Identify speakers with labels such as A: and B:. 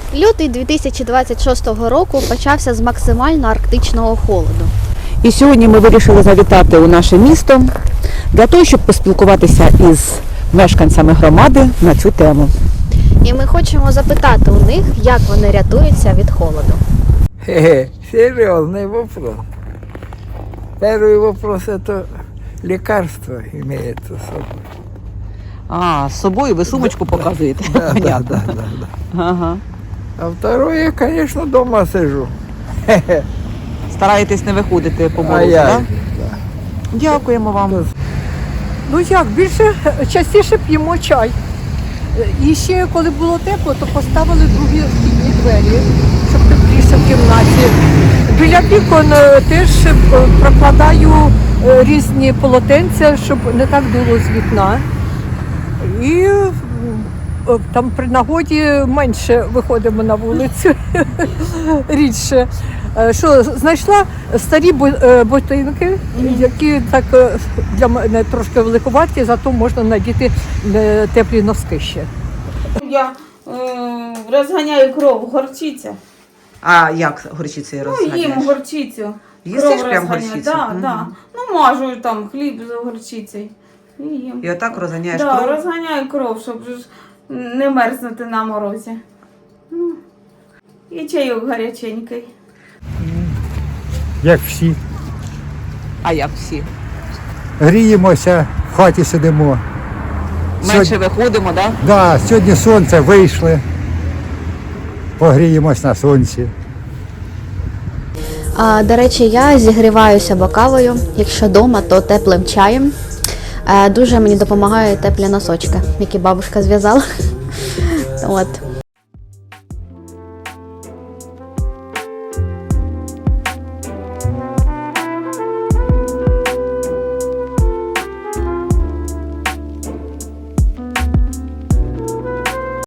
A: Лютий 2026 року почався з максимально арктичного холоду.
B: І сьогодні ми вирішили завітати у наше місто для того, щоб поспілкуватися із мешканцями громади на цю тему.
A: І ми хочемо запитати у них, як вони рятуються від холоду.
C: Серьезный вопрос. Первый вопрос – это лекарство имеется с собой.
B: А, з собою ви сумочку показуєте?
C: Да,
B: Понятно.
C: да.
B: Ага.
C: А второе, я, конечно, дома сижу.
B: Стараєтесь не виходити по
C: А
B: морозу,
C: я,
B: так? Дякуємо вам.
D: Ну як, частіше п'ємо чай. І ще коли було тепло, то поставили другі вхідні двері, щоб тепліше в кімнаті. Біля вікон теж прокладаю різні полотенця, щоб не так дуло з вікна. І там при нагоді менше виходимо на вулицю, рідше. Що, знайшла старі ботинки, які так для мене трошки великуваті, зато можна надіти теплі носки ще.
E: Я розганяю кров, горчиця.
B: А як горчицею
E: Ну,
B: розганяєш?
E: їм горчицю.
B: Їстиш прям
E: розганяю.
B: горчицю?
E: Да,
B: Мгм.
E: да. Ну, мажу там хліб з горчицею. І їм.
B: І отак розганяєш
E: Да,
B: кров?
E: розганяю кров, щоб ж не мерзнути на морозі. Ну, і чайок гаряченький.
F: Як всі.
B: А як всі?
F: Гріємося, в хаті сидимо.
B: Менше виходимо, так?
F: Да, сьогодні сонце, вийшли. Погріємось на сонці.
A: До речі, я зігріваюся кавою, якщо вдома, то теплим чаєм. Дуже мені допомагають теплі носочки, які бабушка зв'язала. От.